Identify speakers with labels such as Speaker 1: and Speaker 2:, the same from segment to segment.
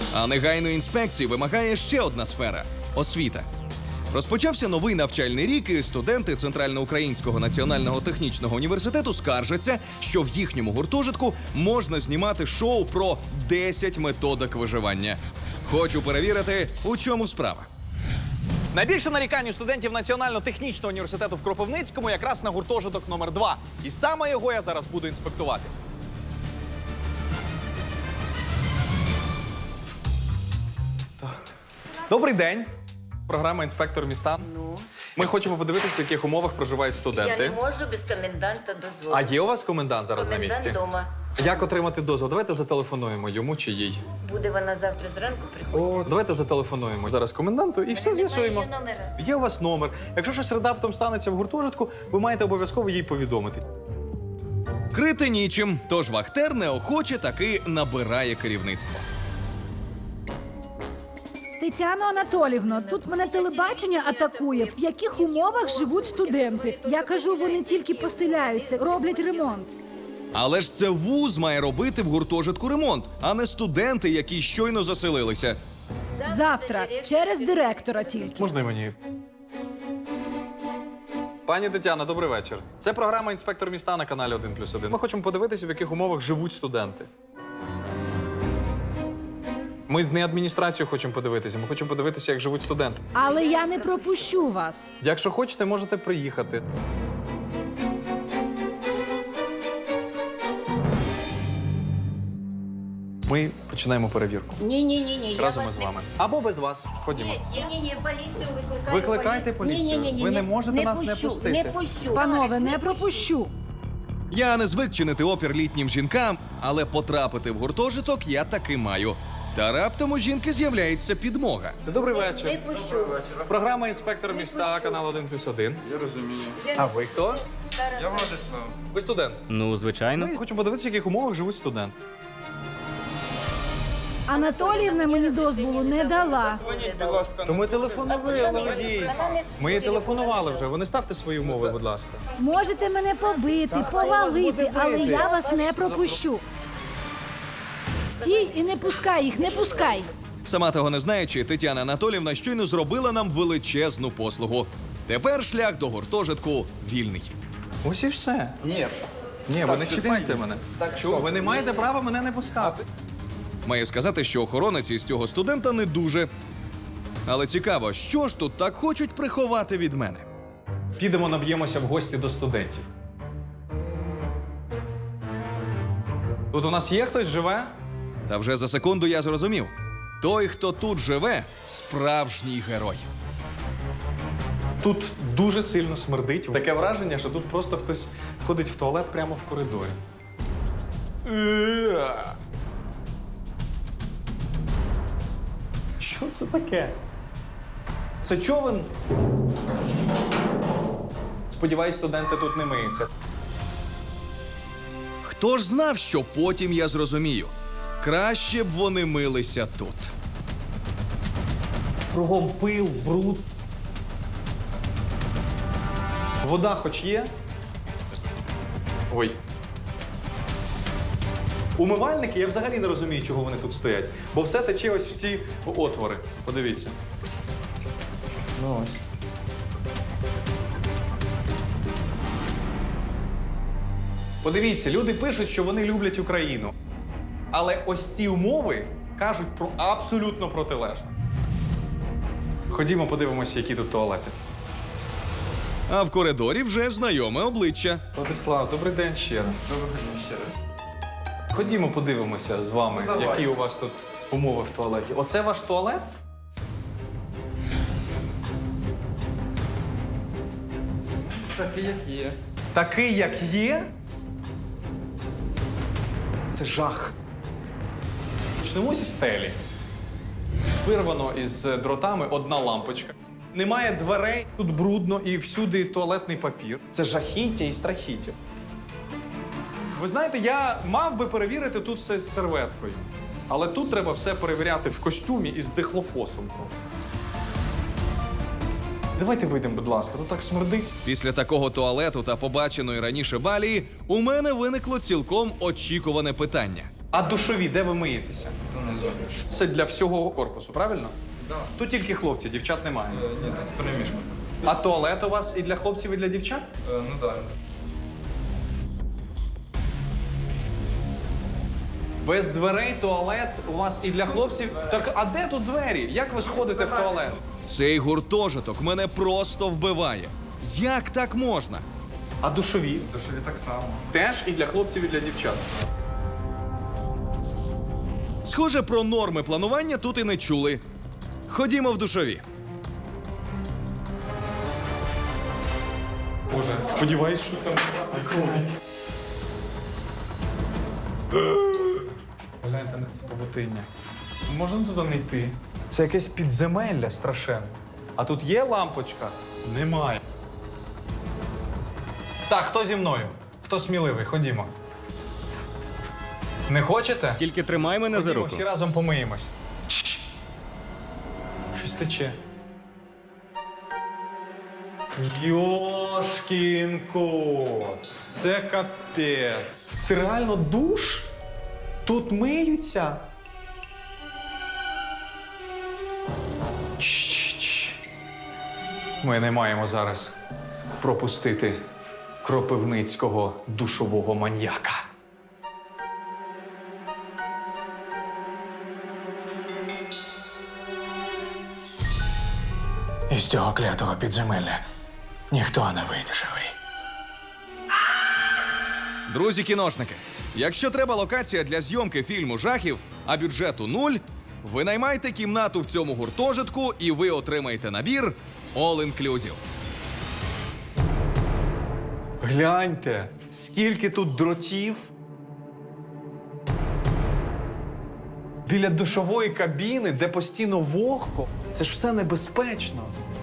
Speaker 1: А негайної інспекції вимагає ще одна сфера – освіта. Розпочався новий навчальний рік, і студенти Центральноукраїнського національного технічного університету скаржаться, що в їхньому гуртожитку можна знімати шоу про 10 методик виживання. Хочу перевірити, у чому справа.
Speaker 2: Найбільше нарікань у студентів Національно-технічного університету в Кропивницькому якраз на гуртожиток номер 2. І саме його я зараз буду інспектувати. Добрий день. Програма «Інспектор міста».
Speaker 3: Ну,
Speaker 2: Ми хочемо подивитися, в яких умовах проживають
Speaker 3: я
Speaker 2: студенти.
Speaker 3: не можу без коменданта дозволу.
Speaker 2: А є у вас комендант зараз на місці?
Speaker 3: Комендант дома.
Speaker 2: Як отримати дозвіл? Давайте зателефонуємо йому чи їй.
Speaker 3: Буде вона завтра зранку приходити.
Speaker 2: Давайте зателефонуємо зараз коменданту і все з'ясуємо.
Speaker 3: Немає її номера.
Speaker 2: Є у вас номер. Якщо щось раптом станеться в гуртожитку, ви маєте обов'язково їй повідомити.
Speaker 1: Крити нічим, тож Вахтер неохоче таки набирає керівництво.
Speaker 4: Тетяно Анатолівно, тут мене телебачення атакує. В яких умовах живуть студенти? Я кажу, вони тільки поселяються, роблять ремонт.
Speaker 1: Але ж це вуз має робити в гуртожитку ремонт, а не студенти, які щойно заселилися.
Speaker 4: Завтра, через директора тільки.
Speaker 2: Можна й мені? Пані Тетяна, добрий вечір. Це програма «Інспектор міста» на каналі 1+1. Ми хочемо подивитися, в яких умовах живуть студенти. Ми не адміністрацію хочемо подивитися, ми хочемо подивитися, як живуть студенти.
Speaker 4: Але я не пропущу вас.
Speaker 2: Якщо хочете, можете приїхати. Ми починаємо перевірку.
Speaker 3: Ні, я
Speaker 2: Разом
Speaker 3: вас
Speaker 2: із
Speaker 3: не
Speaker 2: вами. Або без вас. Ходімо.
Speaker 3: Ні, поліцію викликаю.
Speaker 2: Викликайте поліцію. Ви не можете нас не пустити.
Speaker 3: Не пущу.
Speaker 4: Панове, не пропущу.
Speaker 1: Я не звик чинити опір літнім жінкам, але потрапити в гуртожиток я таки маю. Та раптом у жінки з'являється підмога.
Speaker 2: Добрий
Speaker 3: Не
Speaker 2: вечір.
Speaker 3: пущу.
Speaker 2: Програма «Інспектор міста», канал 1+1.
Speaker 5: Я розумію.
Speaker 2: А ви хто?
Speaker 5: Я Владислав.
Speaker 2: Ви студент.
Speaker 6: Ну, звичайно.
Speaker 2: Ми хочемо подивитися, в яких умовах живуть студенти.
Speaker 4: Анатоліївна мені дозволу не дала.
Speaker 5: Дзвоніть, будь ласка.
Speaker 2: То ми телефонували, водій. Ми їй телефонували вже. Ви не ставте свої умови, будь ласка.
Speaker 4: Можете мене побити, повалити, але я вас не пропущу. Стій і не пускай їх, не пускай.
Speaker 1: Сама того не знаючи, Тетяна Анатолівна щойно зробила нам величезну послугу. Тепер шлях до гуртожитку вільний.
Speaker 2: Ось і все. Ні, ви не чіпайте мене. Так чого? Ви не маєте права мене не пускати.
Speaker 1: Маю сказати, що охоронець із цього студента не дуже. Але цікаво, що ж тут так хочуть приховати від мене?
Speaker 2: Підемо наб'ємося в гості до студентів. Тут у нас є хтось живе?
Speaker 1: Та вже за секунду я зрозумів. Той, хто тут живе, справжній герой.
Speaker 2: Тут дуже сильно смердить. Таке враження, що тут просто хтось ходить в туалет прямо в коридорі. Що це таке? Це човен? Сподіваюсь, студенти тут не миються.
Speaker 1: Хто ж знав, що потім я зрозумію? Краще б вони милися тут.
Speaker 2: Кругом пил, бруд. Вода хоч є? Ой. Умивальники, я взагалі не розумію, чого вони тут стоять. Бо все тече ось в ці отвори. Подивіться. Ну ось. Подивіться, люди пишуть, що вони люблять Україну. Але ось ці умови кажуть про абсолютно протилежне. Ходімо, подивимося, які тут туалети.
Speaker 1: А в коридорі вже знайоме обличчя.
Speaker 2: Владислав, добрий день ще раз.
Speaker 5: Доброго дня ще раз.
Speaker 2: Ходімо, подивимося з вами,
Speaker 5: Давай.
Speaker 2: які у вас тут умови в туалеті. Оце ваш туалет?
Speaker 5: Такий, як є.
Speaker 2: Такий, як є? Це жах. Почнемо зі стелі. Вирвано із дротами одна лампочка. Немає дверей, тут брудно і всюди туалетний папір. Це жахіття і страхіття. Ви знаєте, я мав би перевірити тут все з серветкою. Але тут треба все перевіряти в костюмі і з дихлофосом просто. Давайте вийдемо, будь ласка, тут так смердить.
Speaker 1: Після такого туалету та побаченої раніше балії у мене виникло цілком очікуване питання.
Speaker 2: А душові, де ви миєтеся?
Speaker 5: Внизу.
Speaker 2: Це для всього корпусу, правильно?
Speaker 5: Да.
Speaker 2: Тут тільки хлопці, дівчат немає.
Speaker 5: Ні, тут перемішка.
Speaker 2: А туалет у вас і для хлопців, і для дівчат?
Speaker 5: Ну да.
Speaker 2: Без дверей туалет у вас і для хлопців. Так, а де тут двері? Як ви сходите в туалет?
Speaker 1: Цей гуртожиток мене просто вбиває. Як так можна?
Speaker 2: А душові?
Speaker 5: Душові так само.
Speaker 2: Теж і для хлопців, і для дівчат.
Speaker 1: Схоже, про норми планування тут і не чули. Ходімо в душові.
Speaker 2: Боже, сподіваюсь, що там крові. Гляньте на це павутиння. Можна туди не йти? Це якесь підземелля страшенне. А тут є лампочка? Немає. Так, хто зі мною? Хто сміливий? Ходімо. Не хочете?
Speaker 1: Тільки тримай мене
Speaker 2: Ходімо, всі разом помиємось. Щось тече. Йошкін кот. Це капець. Це реально душ? Тут миються? Чш-чш. Ми не маємо зараз пропустити кропивницького душового маньяка.
Speaker 6: Із цього клятого підземелля ніхто не вийде живий.
Speaker 1: Друзі-кіношники, якщо треба локація для зйомки фільму жахів, а бюджету 0, ви наймайте кімнату в цьому гуртожитку і ви отримаєте набір All Inclusive.
Speaker 2: Гляньте, скільки тут дротів. Біля душової кабіни, де постійно вогко. Це ж все небезпечно.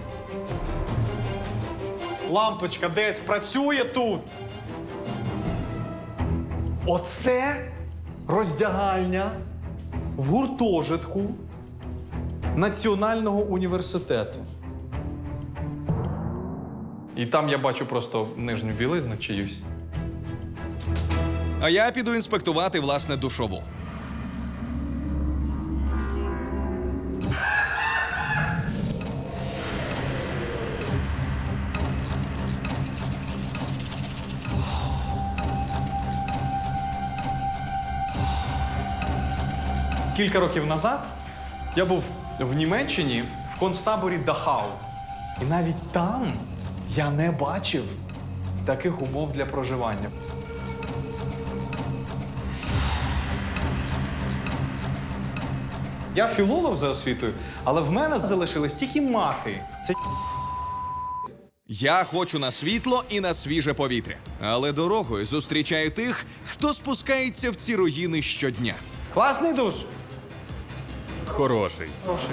Speaker 2: Лампочка десь працює тут. Оце роздягальня в гуртожитку Національного університету. І там я бачу просто нижню білизну чиюсь.
Speaker 1: А я піду інспектувати власне душову.
Speaker 2: Кілька років назад я був в Німеччині в концтаборі Дахау. І навіть там я не бачив таких умов для проживання. Я філолог за освітою, але в мене залишились тільки мати. Це
Speaker 1: Я хочу на світло і на свіже повітря. Але дорогою зустрічаю тих, хто спускається в ці руїни щодня.
Speaker 2: класний душ.
Speaker 1: Хороший.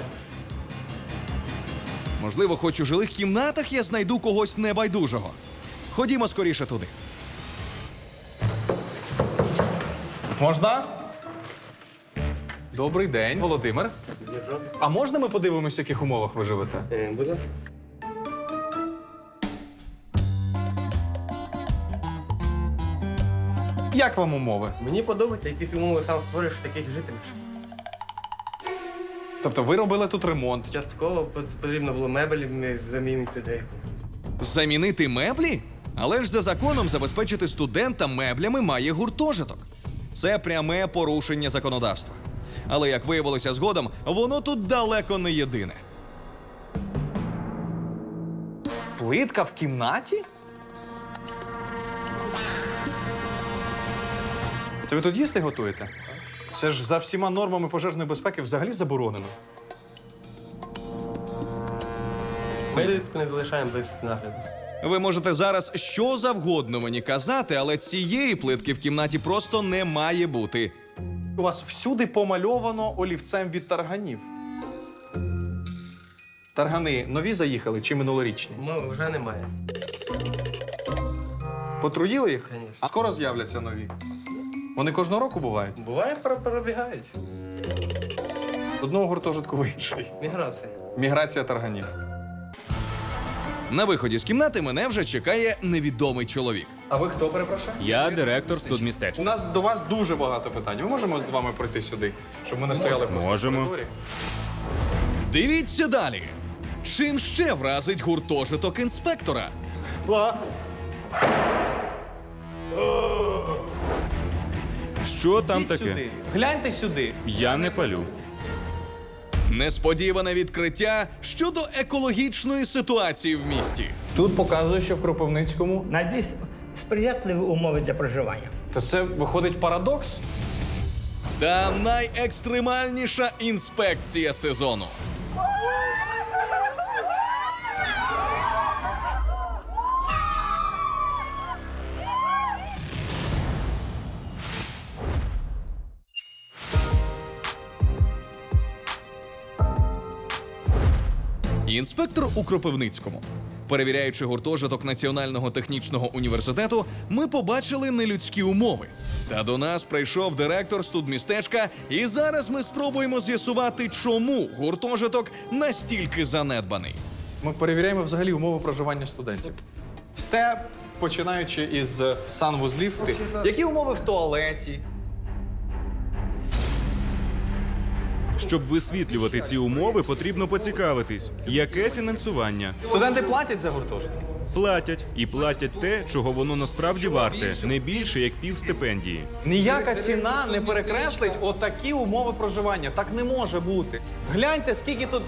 Speaker 1: Можливо, хоч у жилих кімнатах я знайду когось небайдужого. Ходімо скоріше туди.
Speaker 2: Можна? Добрий день, Володимир. А можна ми подивимося, в яких умовах ви живете?
Speaker 7: Будь ласка.
Speaker 2: Як вам умови?
Speaker 7: Мені подобається, які умови сам створюєш таких жителів.
Speaker 2: Тобто ви робили тут ремонт.
Speaker 7: Частково потрібно було мебелі замінити деяку.
Speaker 1: Замінити меблі? Але ж за законом забезпечити студента меблями має гуртожиток. Це пряме порушення законодавства. Але, як виявилося згодом, воно тут далеко не єдине.
Speaker 2: Плитка в кімнаті? Це ви тут їсти готуєте? Це ж за всіма нормами пожежної безпеки взагалі заборонено.
Speaker 7: Ми рідко не залишаємо без нагляду.
Speaker 1: Ви можете зараз що завгодно мені казати, але цієї плитки в кімнаті просто не має бути.
Speaker 2: У вас всюди помальовано олівцем від тарганів. Таргани нові заїхали чи минулорічні?
Speaker 7: Вже немає.
Speaker 2: Потруїли їх?
Speaker 7: Конечно.
Speaker 2: А скоро з'являться нові. Вони кожного року бувають.
Speaker 7: Буває, перебігають.
Speaker 2: З одного гуртожитку в інший.
Speaker 7: Міграція.
Speaker 2: Міграція тарганів.
Speaker 1: На виході з кімнати мене вже чекає невідомий чоловік.
Speaker 2: А ви хто, перепрошую?
Speaker 8: Я директор
Speaker 2: У
Speaker 8: студмістечка.
Speaker 2: нас до вас дуже багато питань. Ми можемо з вами пройти сюди, щоб ми не стояли просто
Speaker 8: Можемо.
Speaker 2: в коридорі?
Speaker 1: Дивіться далі. Чим ще вразить гуртожиток інспектора?
Speaker 8: Що там
Speaker 2: Ідіть
Speaker 8: таке?
Speaker 2: сюди. Гляньте сюди.
Speaker 8: Я не палю.
Speaker 1: Несподіване відкриття щодо екологічної ситуації в місті.
Speaker 2: Тут показує, що в Кропивницькому.
Speaker 9: Найбільш сприятливі умови для проживання.
Speaker 2: То це виходить парадокс?
Speaker 1: Та найекстремальніша інспекція сезону. Інспектор у Кропивницькому. Перевіряючи гуртожиток Національного технічного університету, ми побачили нелюдські умови. Та до нас прийшов директор студмістечка, і зараз ми спробуємо з'ясувати, чому гуртожиток настільки занедбаний.
Speaker 2: Ми перевіряємо взагалі умови проживання студентів. Все починаючи із санвузлів. Які умови в туалеті?
Speaker 8: Щоб висвітлювати ці умови, потрібно поцікавитись, яке фінансування.
Speaker 2: Студенти платять за гуртожитки?
Speaker 8: Платять. І платять те, чого воно насправді варте, не більше, як півстипендії.
Speaker 2: Ніяка ціна не перекреслить отакі умови проживання. Так не може бути. Гляньте, скільки тут.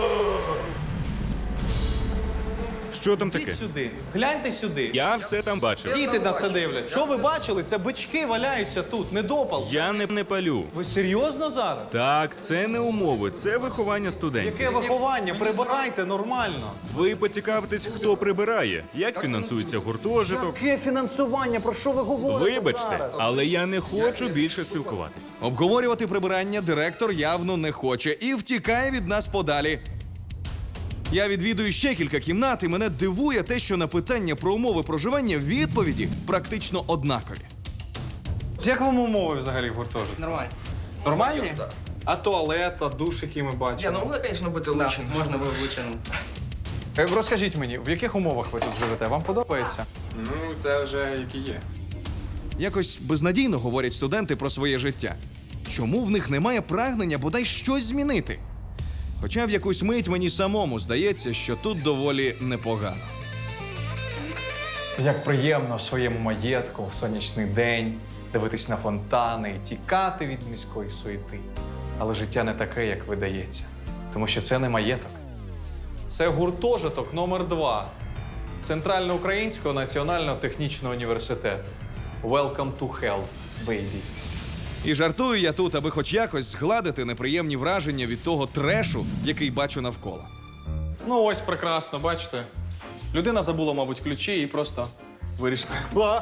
Speaker 8: Що там таке?
Speaker 2: Ідіть сюди. Гляньте сюди.
Speaker 8: Я все там бачив.
Speaker 2: Діти на це дивляться. Що ви бачили? Це бички валяються тут, недопал.
Speaker 8: Я не палю.
Speaker 2: Ви серйозно зараз?
Speaker 8: Так, це не умови, це виховання студентів.
Speaker 2: Яке виховання? Прибирайте нормально.
Speaker 8: Ви поцікавитесь, хто прибирає, як фінансується гуртожиток.
Speaker 2: Яке фінансування? Про що ви говорите
Speaker 8: Вибачте,
Speaker 2: зараз?
Speaker 8: але я не хочу більше спілкуватись.
Speaker 1: Обговорювати прибирання директор явно не хоче і втікає від нас подалі. Я відвідую ще кілька кімнат, і мене дивує те, що на питання про умови проживання відповіді практично однакові.
Speaker 2: Як вам умови взагалі в гуртожитку?
Speaker 5: Нормально.
Speaker 2: Нормальні? А туалет, а душ, який ми бачимо?
Speaker 5: Можно, конечно, бути лучше. Можна було витягнути.
Speaker 2: Розкажіть мені, в яких умовах ви тут живете? Вам подобається?
Speaker 5: Ну, це вже які є.
Speaker 1: Якось безнадійно говорять студенти про своє життя. Чому в них немає прагнення бодай щось змінити? Хоча в якусь мить мені самому здається, що тут доволі непогано.
Speaker 2: Як приємно в своєму маєтку в сонячний день дивитись на фонтани і тікати від міської суєти. Але життя не таке, як видається. Тому що це не маєток. Це гуртожиток номер 2 Центральноукраїнського національного технічного університету. Welcome to hell, baby.
Speaker 1: І жартую я тут, аби хоч якось згладити неприємні враження від того трешу, який бачу навколо.
Speaker 2: Ну ось прекрасно, бачите. Людина забула, мабуть, ключі і просто вирішила.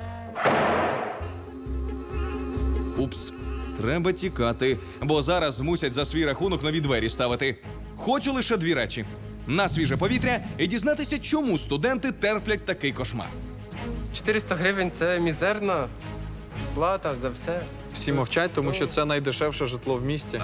Speaker 1: Упс, треба тікати, бо зараз змусять за свій рахунок нові двері ставити. Хочу лише 2 речі: на свіже повітря і дізнатися, чому студенти терплять такий кошмар.
Speaker 7: 400 гривень – це мізерна плата за все.
Speaker 2: Всі мовчать, тому що це найдешевше житло в місті.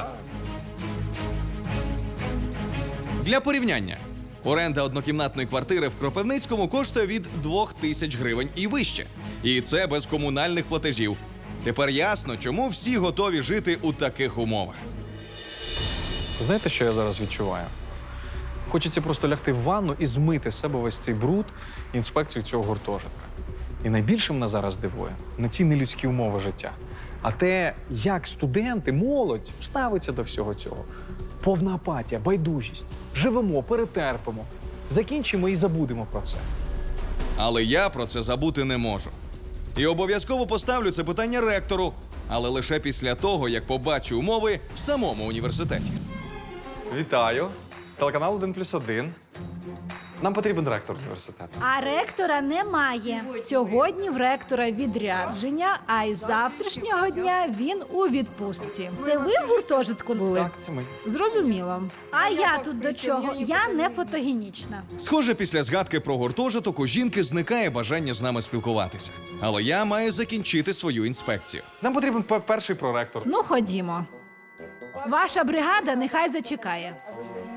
Speaker 1: Для порівняння. Оренда однокімнатної квартири в Кропивницькому коштує від 2000 гривень і вище. І це без комунальних платежів. Тепер ясно, чому всі готові жити у таких умовах.
Speaker 2: Знаєте, що я зараз відчуваю? Хочеться просто лягти в ванну і змити з себе весь цей бруд інспекцію цього гуртожитка. І найбільше мене зараз дивує не ці нелюдські умови життя, а те, як студенти, молодь ставиться до всього цього. Повна апатія, байдужість. Живемо, перетерпимо. Закінчимо і забудемо про це.
Speaker 1: Але я про це забути не можу. І обов'язково поставлю це питання ректору, але лише після того, як побачу умови в самому університеті.
Speaker 2: Вітаю. Телеканал 1+1. Нам потрібен ректор університету.
Speaker 4: А ректора немає. Сьогодні в ректора відрядження, а із завтрашнього дня він у відпустці. Це ви в гуртожитку були?
Speaker 2: Так, це ми.
Speaker 4: Зрозуміло. А я тут до чого? Я не фотогенічна.
Speaker 1: Схоже, після згадки про гуртожиток у жінки зникає бажання з нами спілкуватися. Але я маю закінчити свою інспекцію.
Speaker 2: Нам потрібен перший проректор.
Speaker 4: Ну, ходімо. Ваша бригада нехай зачекає.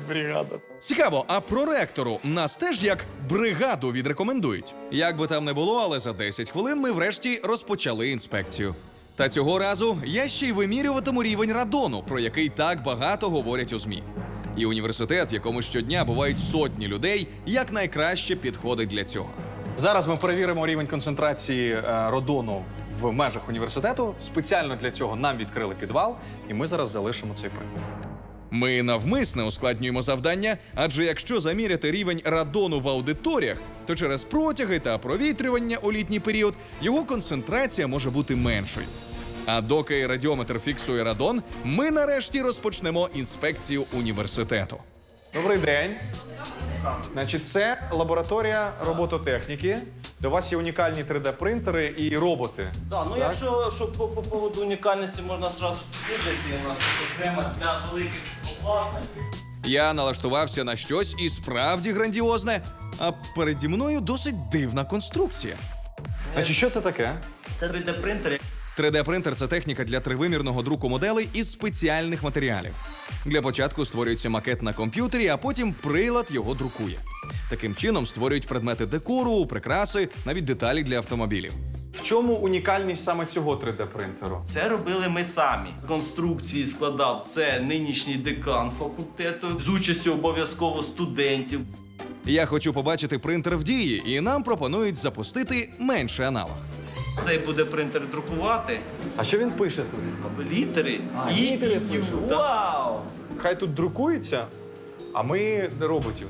Speaker 2: Бригада.
Speaker 1: Цікаво, а проректору нас теж як бригаду відрекомендують? Як би там не було, але за 10 хвилин ми врешті розпочали інспекцію. Та цього разу я ще й вимірюватиму рівень радону, про який так багато говорять у ЗМІ. І університет, в якому щодня бувають сотні людей, якнайкраще підходить для цього.
Speaker 2: Зараз ми перевіримо рівень концентрації радону в межах університету. Спеціально для цього нам відкрили підвал, і ми зараз залишимо цей принтер.
Speaker 1: Ми навмисне ускладнюємо завдання, адже якщо заміряти рівень радону в аудиторіях, то через протяги та провітрювання у літній період його концентрація може бути меншою. А доки радіометр фіксує радон, ми нарешті розпочнемо інспекцію університету.
Speaker 2: Добрий день. Значить, це лабораторія робототехніки. До вас є унікальні 3D-принтери і роботи.
Speaker 10: Да, ну якщо щоб по поводу унікальності можна одразу сказати, у нас окремо для великих обладнань.
Speaker 1: Я налаштувався на щось і справді грандіозне, а переді мною досить дивна конструкція.
Speaker 2: Значить, що це таке?
Speaker 10: Це 3D-принтер.
Speaker 1: 3D-принтер – це техніка для тривимірного друку моделей із спеціальних матеріалів. Для початку створюється макет на комп'ютері, а потім прилад його друкує. Таким чином створюють предмети декору, прикраси, навіть деталі для автомобілів.
Speaker 2: В чому унікальність саме цього 3D-принтеру?
Speaker 10: Це робили ми самі. Конструкції складав це нинішній декан факультету з участю обов'язково студентів.
Speaker 1: Я хочу побачити принтер в дії, і нам пропонують запустити менший аналог.
Speaker 10: Цей буде принтер друкувати,
Speaker 2: А що він пише тут?
Speaker 10: літери і
Speaker 2: літери пише, так.
Speaker 10: Вау!
Speaker 2: Хай тут друкується, а ми роботів.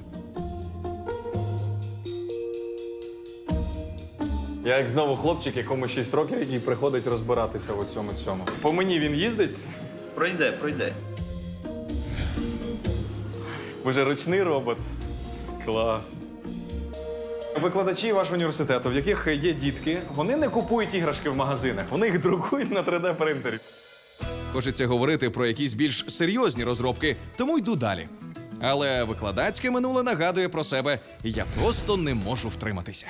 Speaker 2: Я як знову хлопчик, якому 6 років, який приходить розбиратися в цьому. По мені він їздить?
Speaker 10: Пройде.
Speaker 2: Ви же ручний робот. Клас. Викладачі вашого університету, в яких є дітки, вони не купують іграшки в магазинах, вони їх друкують на 3D-принтері.
Speaker 1: Хочеться говорити про якісь більш серйозні розробки, тому йду далі. Але викладацьке минуле нагадує про себе, і я просто не можу втриматися.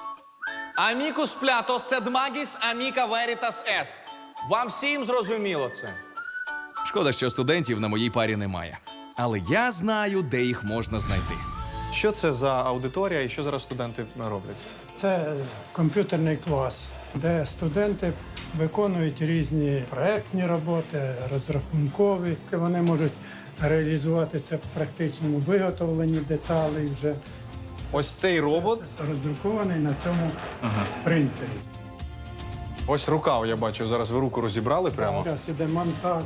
Speaker 2: Amicus plato sed magis amica veritas est. Вам всім зрозуміло це?
Speaker 1: Шкода, що студентів на моїй парі немає. Але я знаю, де їх можна знайти.
Speaker 2: Що це за аудиторія і що зараз студенти роблять?
Speaker 11: Це комп'ютерний клас, де студенти виконують різні проектні роботи, розрахункові. Вони можуть реалізувати це в практичному виготовленні деталей вже
Speaker 2: Ось цей робот.
Speaker 11: роздрукований на цьому принтері.
Speaker 2: Ось рука, я бачу, зараз ви руку розібрали прямо.
Speaker 11: Зараз іде монтаж.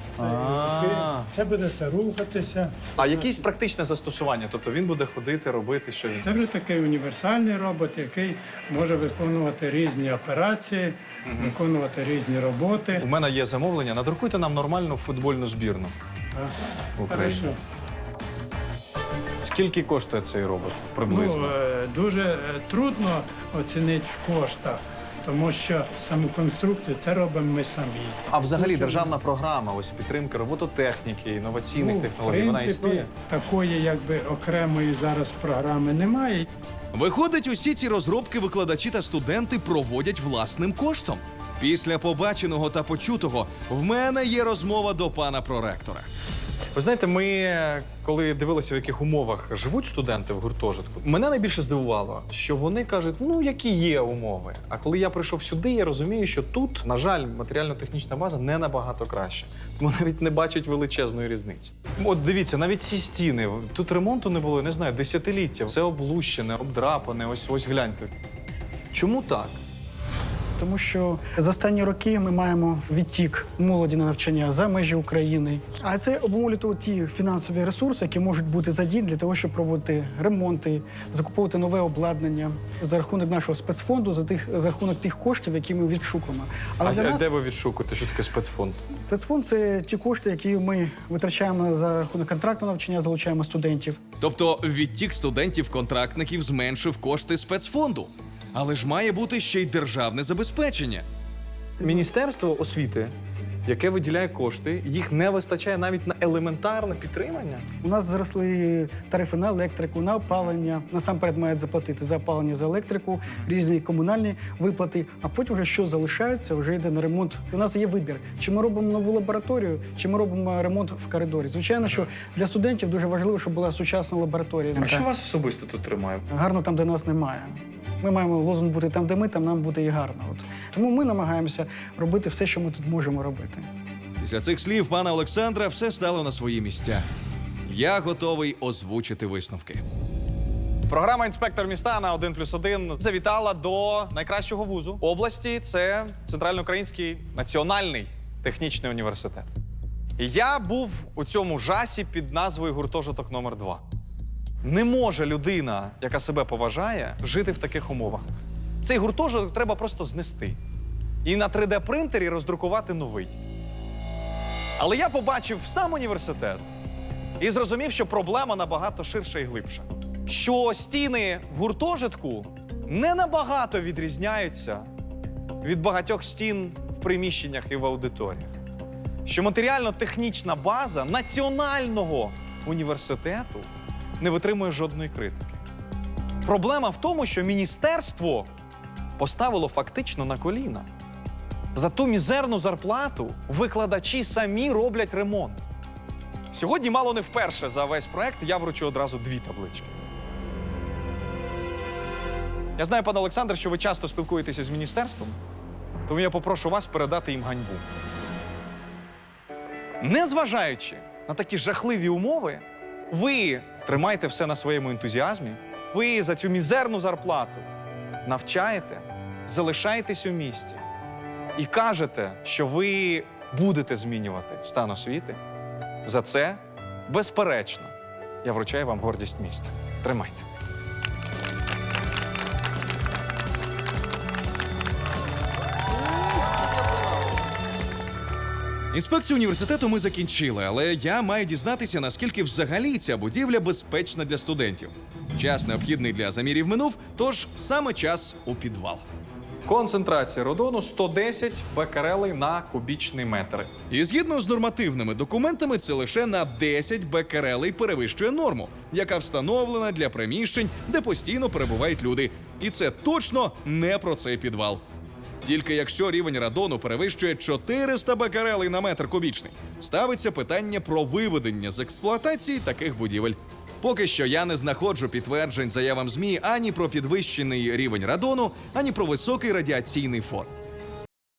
Speaker 2: А.
Speaker 11: Це буде все рухатися.
Speaker 2: А якесь практичне застосування? Тобто він буде ходити, робити, що він?
Speaker 11: Це вже такий універсальний робот, який може виконувати різні операції, виконувати різні роботи.
Speaker 2: У мене є замовлення. Надрукуйте нам нормальну футбольну збірну. Україні.
Speaker 11: Хорошо.
Speaker 2: Скільки коштує цей робот приблизно?
Speaker 11: Дуже трудно оцінити в коштах, тому що саму конструкцію це робимо ми самі.
Speaker 2: А взагалі державна програма, ось підтримки робототехніки, інноваційних технологій, вона існує?
Speaker 11: Такої якби окремої зараз програми немає.
Speaker 1: Виходить, усі ці розробки викладачі та студенти проводять власним коштом. Після побаченого та почутого в мене є розмова до пана проректора.
Speaker 2: Ви знаєте, ми коли дивилися, в яких умовах живуть студенти в гуртожитку, мене найбільше здивувало, що вони кажуть, ну які є умови. А коли я прийшов сюди, я розумію, що тут, на жаль, матеріально-технічна база не набагато краще. Тому навіть не бачать величезної різниці. От дивіться, навіть ці стіни, тут ремонту не було, не знаю, десятиліття. Все облущене, обдрапане, ось гляньте. Чому так?
Speaker 12: Тому що за останні роки ми маємо відтік молоді на навчання за межі України. А це обумовлює ті фінансові ресурси, які можуть бути задіяні для того, щоб проводити ремонти, закуповувати нове обладнання за рахунок нашого спецфонду, за рахунок тих коштів, які ми відшукуємо.
Speaker 2: Але для нас... де ви відшукуєте? Що таке спецфонд?
Speaker 12: Спецфонд – це ті кошти, які ми витрачаємо за рахунок контрактного навчання, залучаємо студентів.
Speaker 1: Тобто відтік студентів-контрактників зменшив кошти спецфонду. Але ж має бути ще й державне забезпечення.
Speaker 2: Міністерство освіти яке виділяє кошти, їх не вистачає навіть на елементарне підтримання.
Speaker 12: У нас зросли тарифи на електрику, на опалення. Насамперед мають заплатити за опалення, за електрику, різні комунальні виплати, а потім вже що залишається, вже йде на ремонт. У нас є вибір, чи ми робимо нову лабораторію, чи ми робимо ремонт в коридорі. Звичайно, що для студентів дуже важливо, щоб була сучасна лабораторія.
Speaker 2: А що вас особисто тут тримає?
Speaker 12: Гарно там, де нас немає. Ми маємо лозунг бути там, де ми, там нам буде і гарно. Тому ми намагаємося робити все, що ми тут можемо робити.
Speaker 1: Після цих слів пана Олександра все стало на свої місця. Я готовий озвучити висновки.
Speaker 2: Програма «Інспектор міста» на 1+1 завітала до найкращого вузу області. Це Центральноукраїнський національний технічний університет. І я був у цьому жасі під назвою «Гуртожиток номер 2». Не може людина, яка себе поважає, жити в таких умовах. Цей гуртожиток треба просто знести. І на 3D-принтері роздрукувати новий. Але я побачив сам університет і зрозумів, що проблема набагато ширша і глибша. Що стіни в гуртожитку не набагато відрізняються від багатьох стін в приміщеннях і в аудиторіях. Що матеріально-технічна база національного університету не витримує жодної критики. Проблема в тому, що міністерство поставило фактично на коліна. За ту мізерну зарплату викладачі самі роблять ремонт. Сьогодні мало не вперше за весь проект я вручу одразу 2 таблички. Я знаю, пане Олександр, що ви часто спілкуєтеся з міністерством, тому я попрошу вас передати їм ганьбу. Незважаючи на такі жахливі умови, ви тримаєте все на своєму ентузіазмі, ви за цю мізерну зарплату навчаєте, залишаєтесь у місті і кажете, що ви будете змінювати стан освіти. За це, безперечно, я вручаю вам гордість міста. Тримайте.
Speaker 1: Інспекцію університету ми закінчили, але я маю дізнатися, наскільки взагалі ця будівля безпечна для студентів. Час необхідний для замірів минув, тож саме час у підвал.
Speaker 2: Концентрація радону 110 бекерелей на кубічний метр.
Speaker 1: І згідно з нормативними документами, це лише на 10 бекерелей перевищує норму, яка встановлена для приміщень, де постійно перебувають люди. І це точно не про цей підвал. Тільки якщо рівень радону перевищує 400 бекерелей на метр кубічний, ставиться питання про виведення з експлуатації таких будівель. Поки що я не знаходжу підтверджень заявам ЗМІ ані про підвищений рівень радону, ані про високий радіаційний фон.